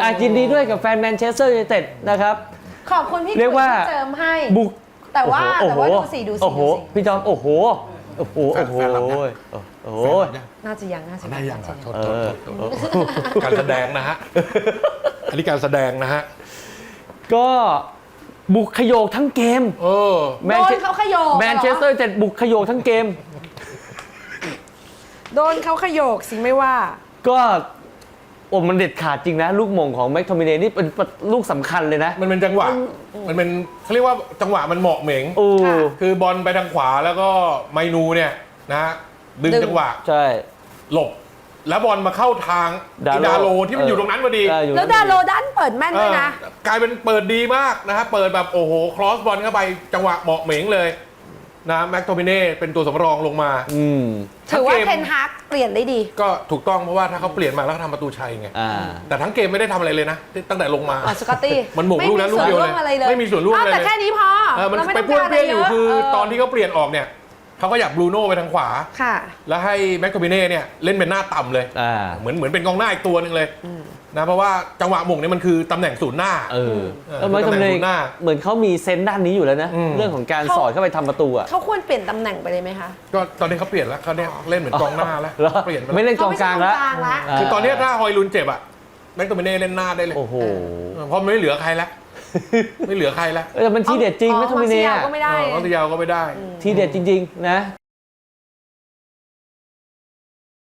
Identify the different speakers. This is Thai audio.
Speaker 1: ยินดีด้วยกับแฟนแมนเชสเตอร์ยูไนเต็ดนะครับ
Speaker 2: ขอบคุณพี่
Speaker 1: เรียกว่า
Speaker 2: ที่เจิมให้
Speaker 1: บุก
Speaker 2: แต่ว่า
Speaker 1: โอ้โห
Speaker 2: ดูสิ
Speaker 1: โอ้โห
Speaker 2: ดูสิ
Speaker 1: พี่จอมโอ้โหโอ้โหโอ้โห
Speaker 3: แฟนรับยัง
Speaker 1: โอ้โห
Speaker 2: น่าจะยังน่าจะ
Speaker 3: ได้ยังอ่ะโทษ
Speaker 1: เออ
Speaker 3: การแสดงนะฮะ อันนี้การแสดงนะฮะ
Speaker 1: ก็บุกขยโยกทั้งเกม
Speaker 3: เออ
Speaker 1: แม
Speaker 2: โด
Speaker 1: น
Speaker 2: น
Speaker 1: เช
Speaker 2: เขาขยโยก
Speaker 1: แมนเชสเตอร์ยูไนเต็ดบุกขยโยกทั้งเกม
Speaker 2: โดนเขาขยโยกสิไม่ว่า
Speaker 1: ก็โอ้มันเด็ดขาดจริงนะ ลูกมงของแม็กโทมิเนนี่เป็นลูกสำคัญเลยนะ
Speaker 3: มันเป็นจังหวะ มันเป็นเขาเรียกว่าจังหวะมันเหมาะเหม็ง
Speaker 1: โอ้
Speaker 2: ค่ะ
Speaker 3: คือบอลไปทางขวาแล้วก็ไมนูเนี่ยนะฮะดึง
Speaker 2: ดึง
Speaker 3: จังหวะ
Speaker 1: ใช่
Speaker 3: หลบ แล้วบอลมาเข้าทาง
Speaker 1: ดาโล
Speaker 3: อิดาโลที่มันอยู่ตรงนั้นพอดี
Speaker 1: อยู่
Speaker 2: แล้วดาโลดันเปิดแม่นด้วยนะ
Speaker 3: กลายเป็นเปิดดีมากนะฮะเปิดแบบโอ้โหครอสบอลเข้าไปจังหวะเหมาะเหม็งเลยนะแม็กโทมิเน่เป็นตัวสำรองลงมา
Speaker 1: อืม
Speaker 2: ถือว่า
Speaker 3: ทั้งเกม
Speaker 2: เทนฮากเปลี่ยนได้ดี
Speaker 3: ก็ถูกต้องเพราะว่าถ้าเขาเปลี่ยนมาแล้วก็ทำประตูชัยไง
Speaker 1: อ่า
Speaker 3: แต่ทั้งเกมไม่ได้ทำอะไรเลยนะตั้งแต่ลงมา
Speaker 2: อ๋อสกอตตี้
Speaker 3: มันหม่งลูกนั้นลูกเดียวเลย
Speaker 2: ไม่มีส่วนร่วมอะไรเลย
Speaker 3: ไม่มีส่วนร่วมอะไรเลย
Speaker 2: แต่แค่นี้พอ
Speaker 3: มัน
Speaker 2: ราม่
Speaker 3: ไป
Speaker 2: ต้อง
Speaker 3: ป้วน
Speaker 2: การ
Speaker 3: เปี้ยนอยู่
Speaker 2: ะไร
Speaker 3: คือ
Speaker 2: เ
Speaker 3: ตอนที่เขาเปลี่ยนออกเนี่ยเขาก็อยากบรูโน่ไปทางขวา
Speaker 2: ค่ะ
Speaker 3: แล้วให้แม็กโทมิเน่เนี่ยเล่นเป็นหน้าต่ำเลย
Speaker 1: อ่า
Speaker 3: เหมือนเป็นกองหน้าอีกตัวหนึ่งเลยนะเพราะว่าจังหวะหม่งเนี่ยมันคือตำแหน่งศูนย์หน้า
Speaker 1: เออ
Speaker 3: เออ
Speaker 1: แล้วแม็กโทมิเน
Speaker 3: ตำแหน่งศูนย์หน้า
Speaker 1: เหมือนเขามีเซนส์ด้านนี้อยู่แล้วนะ
Speaker 3: อืม
Speaker 1: เรื่องของการสอดเข้าไปทำประตูอ่ะ
Speaker 2: เขาควรเปลี่ยนตำแหน่งไปเลยไหมคะ
Speaker 3: ก็ตอนนี้เขาเปลี่ยนแล้วเขาเนี่ยเล่นเหมือนกองหน้าแล้ว
Speaker 1: แล้ว
Speaker 3: เปลี่ยนไป
Speaker 1: ไม่
Speaker 3: แล้ว
Speaker 1: เล่นกองกลางแล้ว
Speaker 2: เขาไม่ใช่กองกลางละ
Speaker 3: คือตอนนี้ถ้าฮอยลุนเจ็บอะแม็กโทมิเน่เล่นหน้าได้เลย
Speaker 1: โอ้โห
Speaker 3: เพราะมันไม่เหลือใครแล้วไม่เหลือใครแล้ว
Speaker 1: แต่มันทีเด็ดจริงแม็กโทมิเน
Speaker 2: มาร์เซียล
Speaker 1: อะ
Speaker 2: ก็ไม่ได้
Speaker 3: เขาตะยาวก็ไม่ได้
Speaker 1: ทีเด็ดจริง ๆ นะ